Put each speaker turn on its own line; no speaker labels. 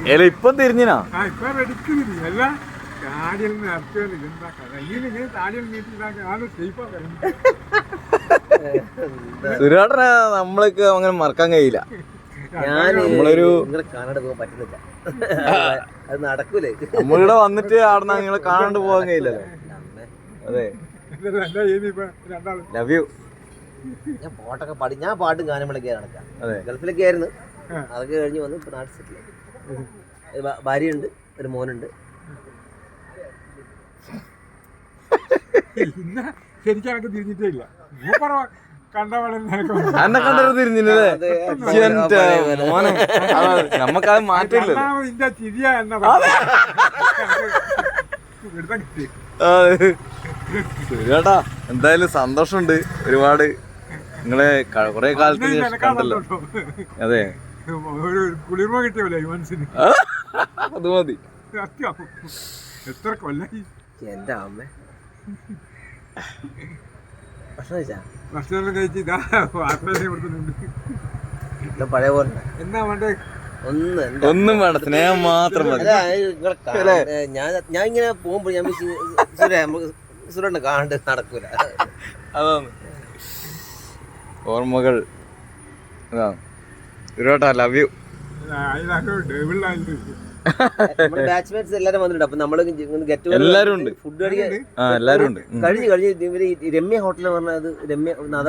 ഇപ്പൊ തിരിഞ്ഞിനാ
ഇപ്പൊ വെടിക്കുന്നില്ല അല്ല താടിയിൽ നിന്ന് ഇറക്കിയാൽ എന്താ കഥ ഇങ്ങനെ താടിയിൽ നീട്ടിട്ടാക്കി ആള് സേഫാ
സുരേട്ടനെ നമ്മൾക്ക് അങ്ങനെ മറക്കാൻ കഴിയില്ല. നമ്മളൊരു
കാണാണ്ട് പോകാൻ പറ്റുന്നില്ല, അത് നടക്കൂലേ.
നമ്മളിവിടെ വന്നിട്ട് അവിടെ നിങ്ങളെ കാണാണ്ട് പോകാൻ കഴിയില്ലല്ലോ. അതെ, ലവ് യു.
ഞാൻ പാട്ടൊക്കെ പാടി, ഞാൻ പാട്ടും ഗാനമേളൊക്കെ നടക്കാം.
അതെ,
ഗൾഫിലൊക്കെ ആയിരുന്നു, അതൊക്കെ കഴിഞ്ഞ് വന്ന് ഇപ്പൊ നാട്ടിൽ സെറ്റിൽ. ഭാര്യയുണ്ട്, ഒരു മോനുണ്ട്.
ശരിക്കും എനിക്ക് തിരിഞ്ഞിട്ടേ ഇല്ല.
എന്നെ കണ്ടത് തിരിഞ്ഞില്ലേ? മോനെ നമ്മക്കത് മാറ്റില്ല. സുരേട്ടാ എന്തായാലും സന്തോഷമുണ്ട് ഒരുപാട്. നിങ്ങളെ കൊറേ കാലത്തിന് ശേഷം കണ്ടല്ലോ. അതെ,
കുളിർമ കിട്ടിയല്ലേ മനസ്സിന്.
അത് മതി.
എത്ര കൊല്ലായി
എന്റെ അമ്മ. ഭക്ഷണം
കഴിച്ച് ഇതാ
പഴയ പോലെ
എന്നാ വേണ്ടേ?
ഒന്നും വേണ്ട, സ്നേഹം മാത്രം മതി.
ഞാൻ ഇങ്ങനെ പോകുമ്പോ ഞാൻ സുരേട്ടനെ കാണണ്ട് നടക്കൂല.
അതാണ് ഓർമ്മകൾ. അതാണ് സുരേട്ടാ, ലവ് യു.
ബാച്ച്മേറ്റ്സ് എല്ലാരും വന്നിട്ടുണ്ട്. അപ്പൊ നമ്മള്
എല്ലാരും ഉണ്ട്,
ഫുഡ് കഴിക്കാൻ
എല്ലാരും ഉണ്ട്.
കഴിഞ്ഞ് ഇവര് രമ്യ ഹോട്ടൽ പറഞ്ഞത്, രമ്യ